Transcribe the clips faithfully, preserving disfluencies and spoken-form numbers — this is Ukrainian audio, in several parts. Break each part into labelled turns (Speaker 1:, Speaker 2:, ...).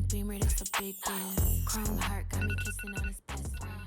Speaker 1: Beamer, that's a big deal. Chrome heart got me kissing on his best friend.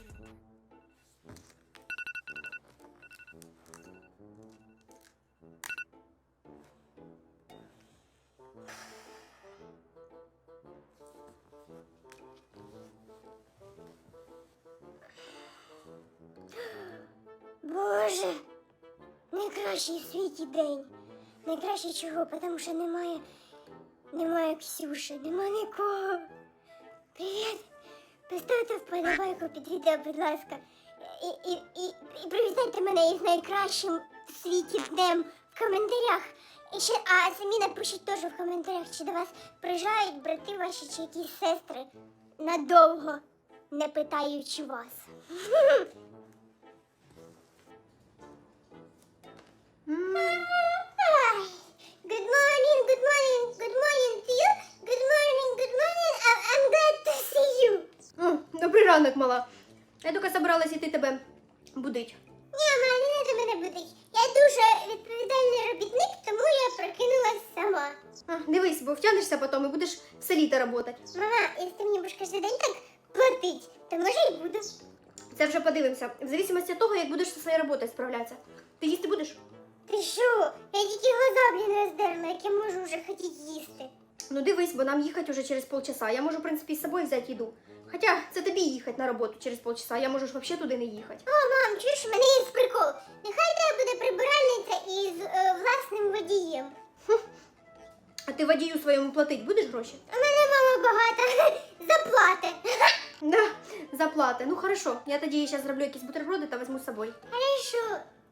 Speaker 2: Боже, найкращий в світі день. Найкраще чого, тому що немає, немає Ксюші, нема нікого. Привіт. Поставте вподобайку під відео, будь ласка. І, і, і, і привітайте мене із найкращим в світі днем в коментарях. І ще, а самі напишіть теж в коментарях, чи до вас приїжджають брати ваші чи якісь сестри надовго, не питаючи вас. Good morning, good morning, good morning to you. Good morning, good morning. I- I'm glad to see you.
Speaker 3: О, добрий ранок, мала. Я тільки собиралась іти тебе будить.
Speaker 2: Ні, мама, не треба мене будить. Я дуже відповідальний робітник, тому я прокинулась сама.
Speaker 3: А, дивись, бо втягнешся потім і будеш в селі та працювати.
Speaker 2: Мама, якщо ти мені будеш кожен день так платить, то може і буду.
Speaker 3: Це вже подивимося. В зависимості від того, як будеш зі своєю роботою справлятися. Ти їсти будеш?
Speaker 2: Ти що? Я тільки глаза, блін, роздерла, як я можу вже хотіти їсти.
Speaker 3: Ну дивись, бо нам їхати вже через полчаса. Я можу, в принципі, з собою взяти їду. Хоча це тобі їхати на роботу через полчаса, я можу ж взагалі туди не їхати.
Speaker 2: О, мам, чуєш, в мене є прикол. Нехай тебе буде прибиральниця із е, власним водієм.
Speaker 3: А ти водію своєму платить будеш гроші?
Speaker 2: У мене мама багата. Заплати.
Speaker 3: Да, заплати. Ну хорошо, я тоді зараз зроблю якісь бутерброди та візьму з собою.
Speaker 2: Хорошо.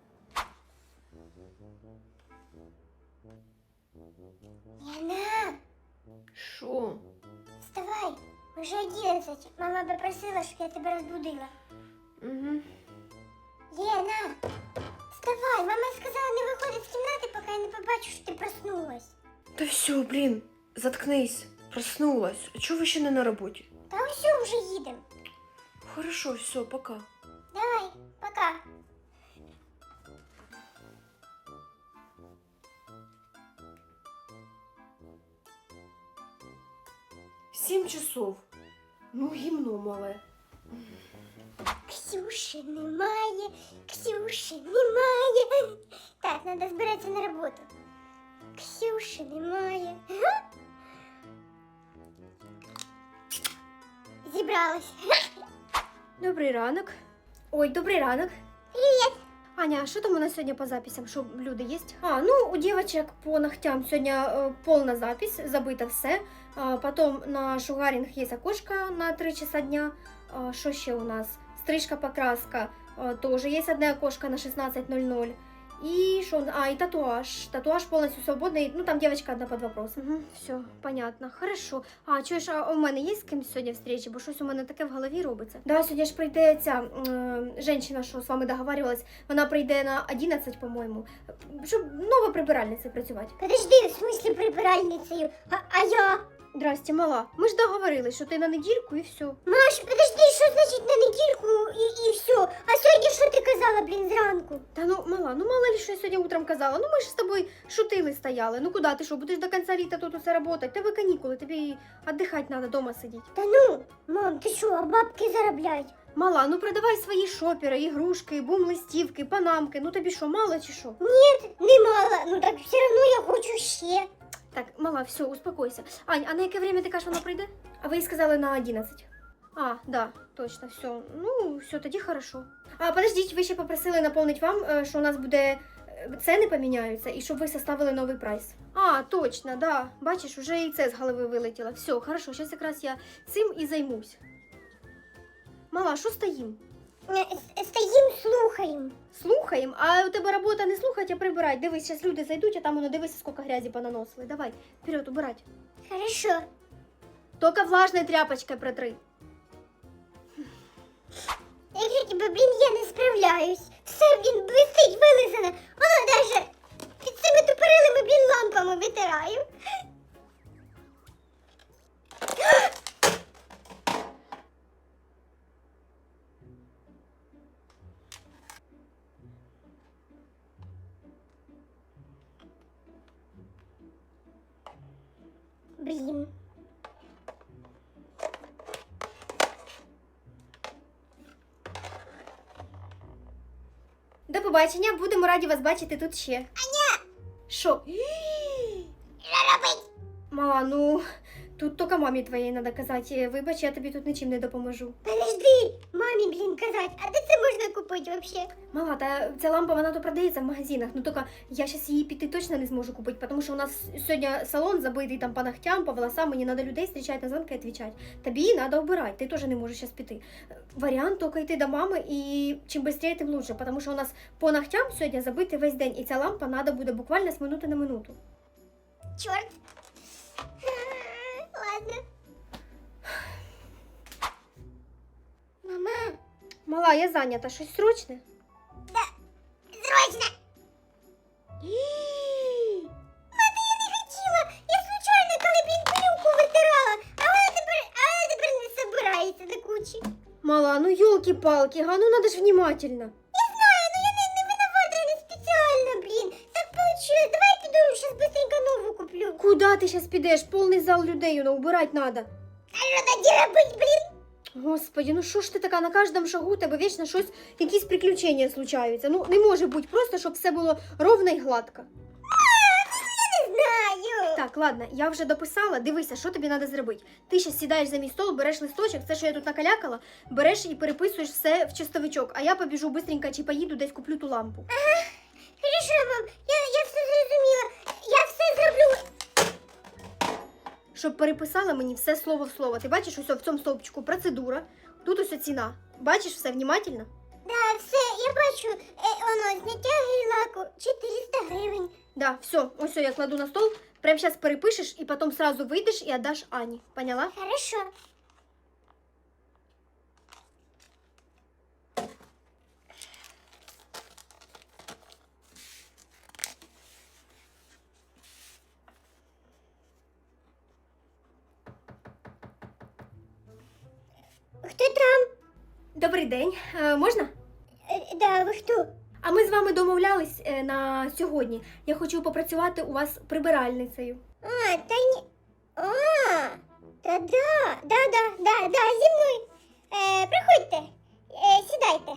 Speaker 2: Яна,
Speaker 3: Що?
Speaker 2: вставай. Уже одинадцять. Мама попросила, щоб я тебе розбудила.
Speaker 3: Угу.
Speaker 2: Яна, вставай. Мама сказала не виходить з кімнати, поки я не побачу, що ти проснулась.
Speaker 4: Та все, блін, заткнись. Проснулась. А чого ви ще не на роботі?
Speaker 2: Та все, вже їдемо.
Speaker 4: Хорошо, все, пока.
Speaker 2: Давай, пока.
Speaker 4: Сім часов. Ну, гімно мале.
Speaker 2: Ксюші немає, Ксюші немає. Так, треба збиратися на роботу. Ксюші немає. Зібралась.
Speaker 3: Добрий ранок. Ой, добрий ранок.
Speaker 2: Привіт.
Speaker 3: Аня, а що там у нас сьогодні по записям? Що люди є? А, ну, у дівчаток по ногтям сьогодні е, повна запись, забито все. А, потім на шугаринг є окошко на три часа дня. А, що ще у нас? Стрижка, покраска, а, тоже є одне окошко на шістнадцять нуль нуль. І що? А, і татуаж. Татуаж повністю свободний. Ну, там дівчинка одна під вопросом. Угу, все, понятно. Хорошо. А, чуєш, а у мене є з ким сьогодні встречі? Бо щось у мене таке в голові робиться. Да, сьогодні ж прийде ця е, жінка, що з вами договарювалась. Вона прийде на одинадцять, по-моєму, щоб нова прибиральниця працювати.
Speaker 2: Подожди, в смислі прибиральницею. А, а я?
Speaker 3: Здрасте, мала. Ми ж договорились, що ти на недільку і все.
Speaker 2: Маш, подожди, що значить на недільку і, і все? А сьогодні що ти казала, блін, зранку?
Speaker 3: Та ну, мала, ну мало ли, що я сьогодні утром казала. Ну ми ж з тобою шутили стояли. Ну куди ти що, будеш до кінця літа тут усе працювати? Тебе канікули, тобі віддихати треба, вдома сидіти.
Speaker 2: Та ну, мам, ти що, а бабки заробляють?
Speaker 3: Мала, ну продавай свої шопери, ігрушки, бум-листівки, панамки. Ну тобі що, мало чи що?
Speaker 2: Ні, не мало, ну так все одно я хочу ще.
Speaker 3: Так, мала, все, успокойся. Ань, а на яке время ти кажеш, вона прийде? А ви їй сказали на одинадцять. А, да, точно, все. Ну, все, тоді хорошо. А, подождіть, ви ще попросили наповнити вам, е, що у нас буде е, ціни поміняються, і щоб ви составили новий прайс. А, точно, да. Бачиш, вже і це з голови вилетіло. Все, хорошо, зараз якраз я цим і займусь. Мала, що стоїм?
Speaker 2: Е, Стоїм, слухаємо.
Speaker 3: Слухаємо, а у тебе робота не слухати, а прибирати. Дивись, зараз люди зайдуть, а там воно дивися, скільки грязі понаносили. Давай, вперед, убирать.
Speaker 2: Хорошо.
Speaker 3: Тільки влажною тряпочкою протри.
Speaker 2: Якщо тебе, блін, я не справляюсь. Все, блін, блистить, вилизане. Воно даже під цими тупорилими, блін, лампами витираю. Блін.
Speaker 3: побачення, будемо раді вас бачити тут ще. Аня! Що?
Speaker 2: Що робить?
Speaker 3: Мала, ну, тут тільки мамі твоїй треба казати. Вибач, я тобі тут нічим не допоможу.
Speaker 2: Подожди, мамі, блін, казать, а де це можна купити вообще?
Speaker 3: Мала, та ця лампа, вона то продається в магазинах, ну тільки я зараз її піти точно не зможу купити, тому що у нас сьогодні салон забитий там по ногтям, по волосам, мені треба людей зустрічати, на дзвонки відповідати. Тобі треба обирати, ти теж не можеш зараз піти. Варіант тільки йти до мами і чим швидше, тим лучше, тому що у нас по ногтям сьогодні забитий весь день, і ця лампа треба буде буквально з минути на минуту.
Speaker 2: Чорт. Ладно. Мама,
Speaker 3: Мала, я зайнята, щось срочне?
Speaker 2: срочно. Мати, я не хотіла. Я случайно, коли, блін, пилюку витирала, а вона тепер, а вона тепер не собирається до кучі.
Speaker 3: Мала, ну ёлки-палки, га, ну надо ж внимательно.
Speaker 2: Я знаю, ну я не, не виновата, я не спеціально, блін. Так получилось. Давай я піду, щас быстренько нову куплю.
Speaker 3: Куда ти зараз підеш? Повний зал людей, ну убирать надо.
Speaker 2: А що тоді робить, блін?
Speaker 3: Господи, ну що ж ти така, на кожному шагу у тебе вічно щось, якісь приключення случаються. Ну не може бути просто, щоб все було ровно і гладко.
Speaker 2: Не знаю.
Speaker 3: Так, ладно, я вже дописала, дивися, що тобі треба зробити. Ти ще сідаєш за мій стол, береш листочок, все, що я тут накалякала, береш і переписуєш все в чистовичок, а я побіжу бистренько чи поїду десь куплю ту лампу.
Speaker 2: Хорошо, мам, я, я все зрозуміла. Я все зроблю.
Speaker 3: Щоб переписала мені все слово в слово. Ти бачиш ось в цьому стовпчику процедура, тут ось ціна. Бачиш все внимательно?
Speaker 2: Да, все, я бачу, е, воно, зняття гель-лаку, чотириста гривень.
Speaker 3: Да, все, ось я кладу на стол, прямо зараз перепишеш і потім сразу вийдеш і віддаш Ані. Поняла?
Speaker 2: Хорошо. Хто там?
Speaker 3: Добрий день. Е, можна?
Speaker 2: Е, да, ви хто?
Speaker 3: А ми з вами домовлялись е, на сьогодні. Я хочу попрацювати у вас прибиральницею.
Speaker 2: А, та ні. А, та да, да, да, да, да, зі мною. Е, приходьте, е, сідайте.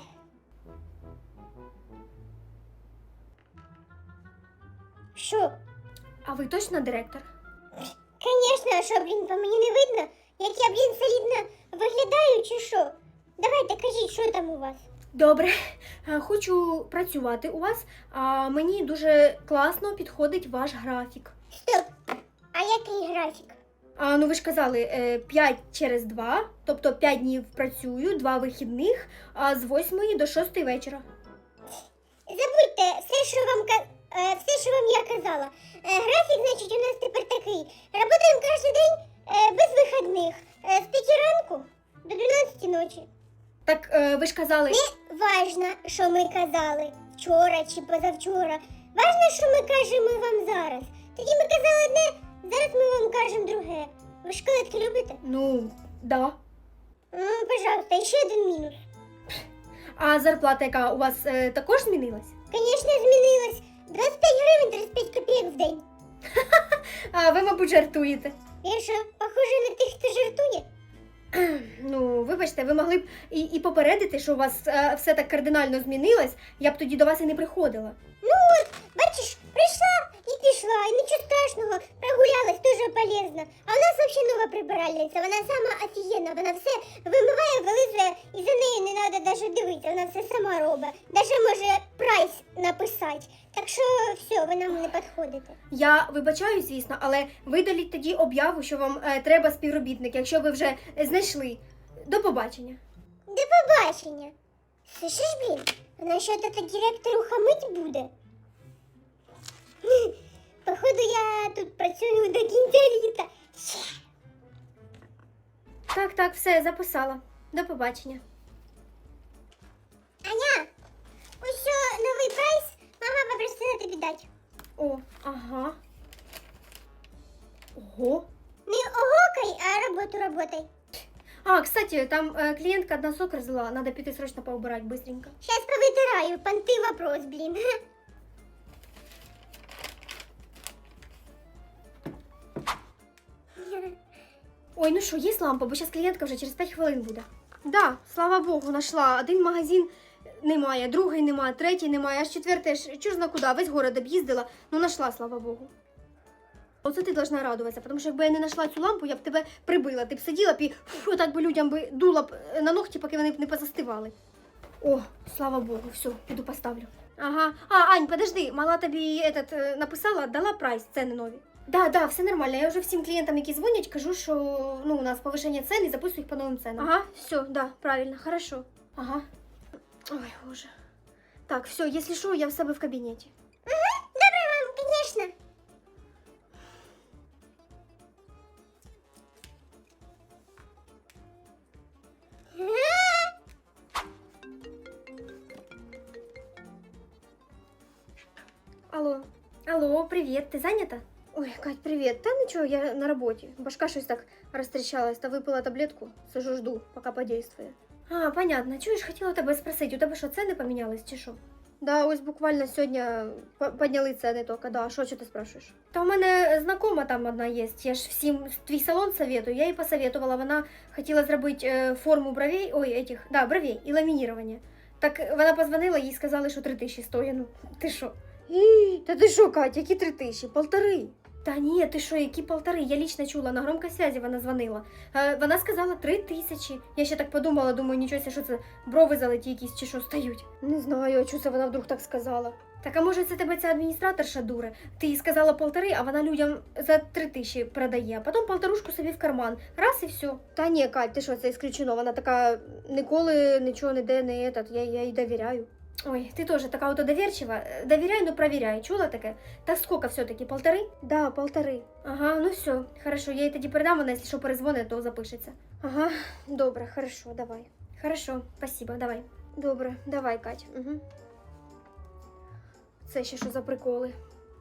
Speaker 2: Що?
Speaker 3: А ви точно директор?
Speaker 2: Конечно, а що, блін, по мені не видно? Як я, блін, солідно виглядаю чи що? Давайте, кажіть, що там у вас?
Speaker 3: Добре. Е, Хочу працювати у вас, а мені дуже класно підходить ваш графік.
Speaker 2: Стоп, а який графік?
Speaker 3: А, ну ви ж казали, е, п'ять через два, тобто п'ять днів працюю, два вихідних, а з восьмої до шостої вечора.
Speaker 2: Забудьте все, що вам ка- е, все, що вам я казала. Е, графік, значить, у нас тепер такий. Работаємо кожен день е, без вихідних. Е, з п'яти ранку до дванадцяти ночі.
Speaker 3: Так е, ви ж казали,
Speaker 2: Не важно, що ми казали вчора чи позавчора. Важно, що ми кажемо вам зараз. Тоді ми казали одне, зараз ми вам кажемо друге. Ви шоколадки любите?
Speaker 3: ну, да.
Speaker 2: Ну, пожалуйста, і ще один мінус.
Speaker 3: А зарплата, яка у вас е, також змінилась?
Speaker 2: Звісно, змінилось. двадцять п'ять гривень тридцять п'ять копійок в день.
Speaker 3: А ви, мабуть, жартуєте.
Speaker 2: Я що, похоже на тих, хто жартує?
Speaker 3: Ну, вибачте, ви могли б і, і попередити, що у вас е, все так кардинально змінилось, я б тоді до вас і не приходила.
Speaker 2: Ну от, бачиш, прийшла і пішла, і нічого страшного, прогулялась, дуже полезно. А у нас взагалі нова прибиральниця, вона сама офігенна, вона все вимиває, вилизує, і за нею не треба навіть дивитися, вона все сама робить. Навіть може прайс написати. Так що все, ви нам не підходите.
Speaker 3: Я вибачаю, звісно, але видаліть тоді об'яву, що вам е, треба співробітник, якщо ви вже е, знайшли. До побачення.
Speaker 2: До побачення. Слышиш, блін, вона що то директору хамить буде? Хм, походу, я тут працюю до кінця літа.
Speaker 3: Так, так, все, записала. До побачення.
Speaker 2: Аня, ось що новий прайс, мама попросила тобі дати.
Speaker 3: О, ага. Ого.
Speaker 2: Не огокай, а роботу работай.
Speaker 3: А, кстати, там э, клиентка одна сок разлила, надо пойти срочно поубирать быстренько.
Speaker 2: Сейчас повытираю, понты вопрос, блин.
Speaker 3: Ой, ну що, є лампа, бо зараз клієнтка вже через п'ять хвилин буде. Да, слава Богу, нашла. Один магазин немає, другий немає, третій немає, аж четвертий, аж чуж зна куди, весь город об'їздила, ну нашла, слава Богу. Оце ти должна радуватися, тому що якби я не знайшла цю лампу, я б тебе прибила, ти б сиділа б і фу, так би людям би дула б на ногті, поки вони б не позастивали. О, слава Богу, все, піду поставлю. Ага, а, Ань, подожди, мала тобі этот, е, написала, дала прайс, ціни нові. Да, да, все нормально. Я вже всім клієнтам, які дзвонять, кажу, що ну, у нас повишення цін і записую їх по новим ценам. Ага, все, да, правильно, хорошо. Ага. Ой, боже. Так, все, якщо що, я в себе в кабінеті.
Speaker 2: Добре, мам, звісно.
Speaker 3: Алло. Алло, привіт, ти зайнята? Ой, Кать, привіт. Та нічого, я на роботі. Башка щось так розтріщалась, та випила таблетку. Сижу, жду, поки подействує. А, понятно. Чуєш, хотіла тебе спросити, у тебе що, ціни помінялись чи що? Да, ось буквально сьогодні по- підняли ціни тільки, да. Що, що ти спрашуєш? Та у мене знакома там одна є. Я ж всім твій салон советую. Я їй посоветувала, вона хотіла зробити е, форму бровей, ой, этих, да, бровей і ламінірування. Так вона позвонила, їй сказали, що три тисячі стоїть. Ну, ти що? Ій, Та ти що, Катя, які три тисячі? Полтори. Та ні, ти що, які полтори? Я лично чула, на громкій связі вона дзвонила. Е, вона сказала три тисячі. Я ще так подумала, думаю, нічого себе, що це брови залиті якісь чи що стають. Не знаю, а чого це вона вдруг так сказала. Так, а може це тебе ця адміністраторша дуре? Ти їй сказала полтори, а вона людям за три тисячі продає, а потім полторушку собі в карман. Раз і все. Та ні, Кать, ти що, це ісключено. Вона така ніколи нічого не де, не етат, я, я їй довіряю. Ой, ты тоже такая вот доверчива. Доверяй, но проверяй. Чула таке? Так сколько все-таки? Полторы? Да, полторы. Ага, ну все, хорошо. Я ей тоді передам, вона, якщо що перезвонить, то запишеться. Ага, добре, хорошо, давай. Хорошо, спасибо, давай. Добре, давай, Кать. Угу. Це ще що за приколи?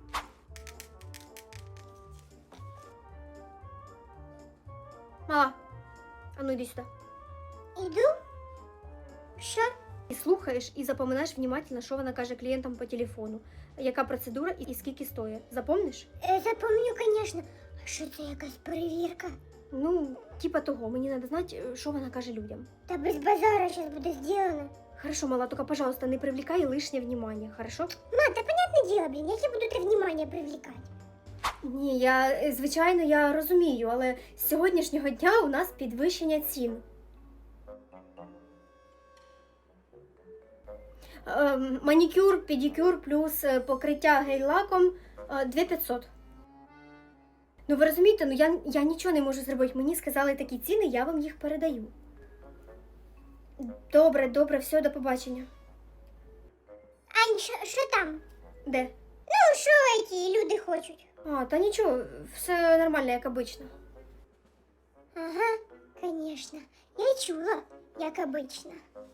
Speaker 3: Мала, а ну йди сюди.
Speaker 2: Іду? Що?
Speaker 3: І слухаєш і запоминаєш внимательно, що вона каже клієнтам по телефону. Яка процедура і скільки стоїть. Запомниш?
Speaker 2: Е, запомню, звісно. А що це якась перевірка?
Speaker 3: Ну, типа того, мені треба знати, що вона каже людям.
Speaker 2: Та без базара зараз буде зроблено.
Speaker 3: Хорошо, мала, только, пожалуйста, не привлекай лишнє внимание, хорошо?
Speaker 2: Ма, та понятне діло, блін, як я буду те внимання привлекати?
Speaker 3: Ні, я, е, звичайно, я розумію, але з сьогоднішнього дня у нас підвищення цін. Ем, манікюр, педикюр плюс е, покриття гель-лаком е, дві тисячі п'ятсот. Ну ви розумієте, ну я, я нічого не можу зробити. Мені сказали такі ціни, я вам їх передаю. Добре, добре, все, до побачення.
Speaker 2: Ань, що, що там?
Speaker 3: Де?
Speaker 2: Ну, що ті люди хочуть?
Speaker 3: А, та нічого, все нормально, як обично.
Speaker 2: Ага, звісно. Я чула, як обично.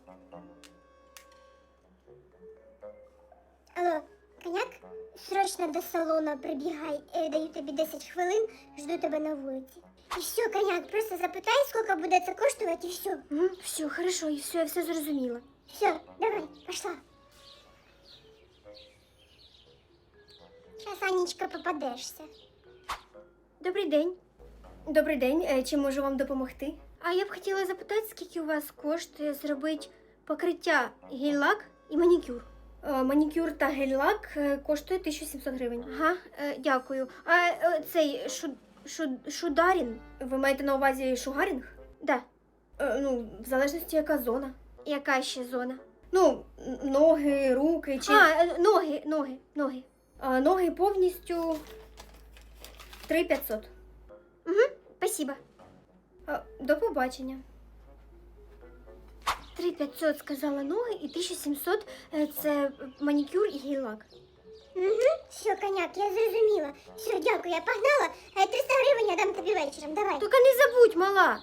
Speaker 2: Алло, коняк? Срочно до салону прибігай, е, даю тобі десять хвилин, жду тебе на вулиці. І все, коняк, просто запитай, скільки буде це коштувати, і все.
Speaker 3: Угу, все, хорошо, і все, я все зрозуміла.
Speaker 2: Все, давай, пошла. Сейчас, Анечка, попадешься.
Speaker 3: Добрий день. Добрий день, е, чим можу вам допомогти? А я б хотіла запитати, скільки у вас коштує зробити покриття гель-лак і манікюр. Е, манікюр та гель-лак е, коштує тисячу сімсот гривень. Ага, е, дякую. А е, цей шу, шу, шударін, ви маєте на увазі шугарінг? Да. Е, ну, в залежності, яка зона. Яка ще зона? Ну, н- ноги, руки чи... А, е, ноги, ноги, ноги. А, ноги повністю три тисячі п'ятсот. Угу, спасибо. А, до побачення. три тисячі п'ятсот сказала ноги і тисяча сімсот е, це манікюр і гель-лак.
Speaker 2: Угу, все, коняк, я зрозуміла. Все, дякую, я погнала. Е, триста гривень я дам тобі вечором, давай.
Speaker 3: Тільки не забудь, мала.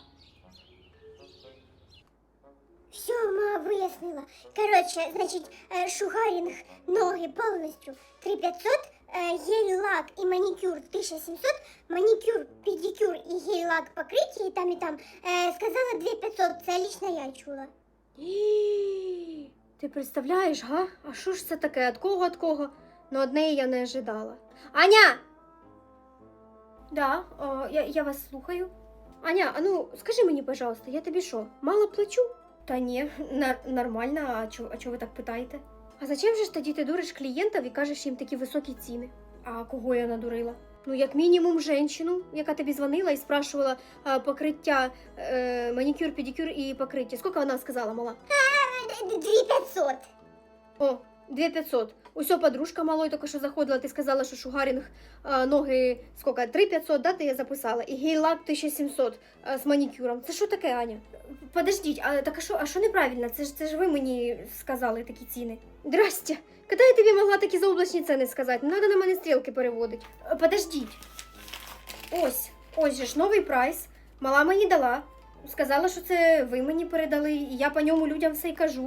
Speaker 2: Все, ма, вияснила. Коротше, значить, е, шугарінг, ноги повністю три тисячі п'ятсот, е, гель-лак і манікюр тисяча сімсот, манікюр, педикюр і гель-лак покриті і там, і там. Е, сказала дві тисячі п'ятсот, це лично я чула.
Speaker 3: І... Ти представляєш, га? А що ж це таке? От кого, от кого? Ну, одне я не ожидала. Аня! Да, о, я, я вас слухаю. Аня, а ну, скажи мені, пожалуйста, я тобі що, мало плачу? Та ні, нар- нормально, а чого а чо ви так питаєте? А зачем же ж тоді ти дуриш клієнтів і кажеш їм такі високі ціни? А кого я надурила? Ну, як мінімум, жінку, яка тобі дзвонила і спрашувала а, покриття, е, манікюр, педикюр і покриття. Скільки вона сказала, мала?
Speaker 2: Дві п'ятсот.
Speaker 3: О, дві п'ятсот. Усьо подружка малої тільки що заходила, ти сказала, що шугарінг а, ноги, скільки, три п'ятсот, да, ти я записала? І гейлак тисяча сімсот а, з манікюром. Це що таке, Аня? Подождіть, а так а що, а що неправильно? Це ж, це ж ви мені сказали такі ціни. Здрасте. Коли я тобі могла такі заоблачні ціни сказати? Не треба на мене стрілки переводити. Е, Подождіть. Ось, ось же ж новий прайс. Мала мені дала. Сказала, що це ви мені передали, і я по ньому людям все й кажу.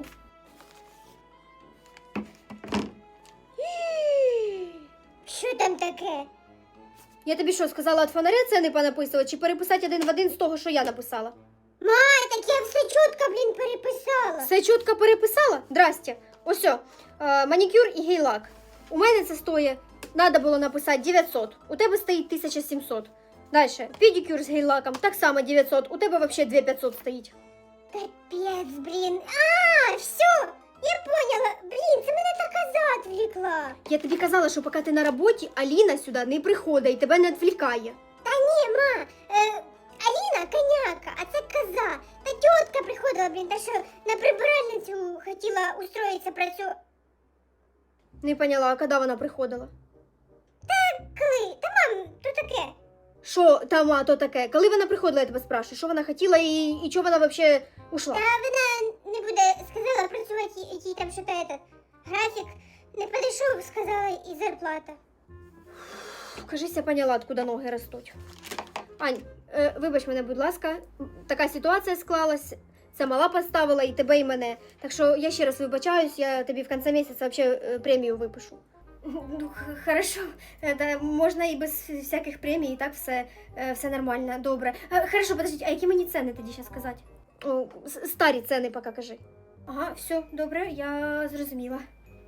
Speaker 2: Що там таке?
Speaker 3: Я тобі що, сказала від фонаря ціни понаписувати, чи переписати один в один з того, що я написала?
Speaker 2: А, так я все чітко, блін, переписала.
Speaker 3: Все чітко переписала? Здрасте. Ось, о, е, манікюр і гейлак. У мене це стоїть, треба було написати дев'ятсот. У тебе стоїть тисяча сімсот. Дальше, педикюр з гейлаком, так само дев'ятсот. У тебе взагалі дві п'ятсот стоїть.
Speaker 2: Капець, блін. А, все, я поняла. Блін, це мене та коза відвлекла.
Speaker 3: Я тобі казала, що поки ти на роботі, Аліна сюди не приходить і тебе не відвлікає.
Speaker 2: Та ні, ма, е, Аліна коняка, а це коза. Та тітка приходила, блін, та що на прибиральницю хотіла устроїтися працювати.
Speaker 3: Не поняла, а коли вона приходила?
Speaker 2: Коли? Та мам, то таке.
Speaker 3: Що там, а то таке? Коли вона приходила, я тебе спрашиваю, що вона хотіла і, і чого вона взагалі ушла?
Speaker 2: Та вона не буде, сказала працювати, їй там що-то этот, графік не підійшов, сказала, і зарплата.
Speaker 3: Кажись, я поняла, откуда ноги ростуть. Ань, е, вибач мене, будь ласка, така ситуація склалась. Це мала поставила і тебе, і мене. Так що я ще раз вибачаюсь, я тобі в кінці місяця взагалі е, премію випишу. Ну, х- хорошо. Е, Та можна і без всяких премій, і так все, е, все нормально, добре. Е, Хорошо, подождіть, а які мені ціни тоді ще сказати? О, с- старі ціни поки кажи. Ага, все, добре, я зрозуміла.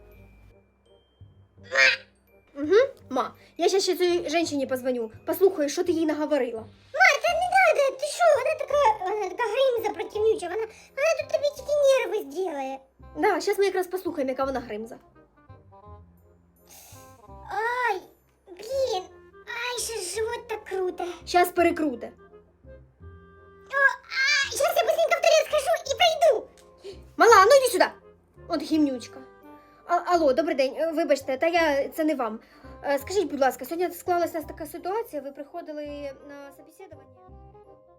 Speaker 3: Угу, ма, я ще ще цій жінці позвоню, послухаю, що ти їй наговорила.
Speaker 2: Марта, не надо, ти що, вона така, вона така гримза противнюча, вона, вона тут тобі тільки нерви зробить.
Speaker 3: Да, зараз ми якраз послухаємо, яка вона гримза.
Speaker 2: Ай, блін, ай, ще ж живот так круто.
Speaker 3: Зараз перекруте.
Speaker 2: А, зараз я быстренько в туалет схожу і прийду.
Speaker 3: Мала, ну йди сюди. От гімнючка. А, алло, добрий день. Е, Вибачте, та я це не вам. Е, Скажіть, будь ласка, сьогодні склалася у нас така ситуація, ви приходили на собеседування?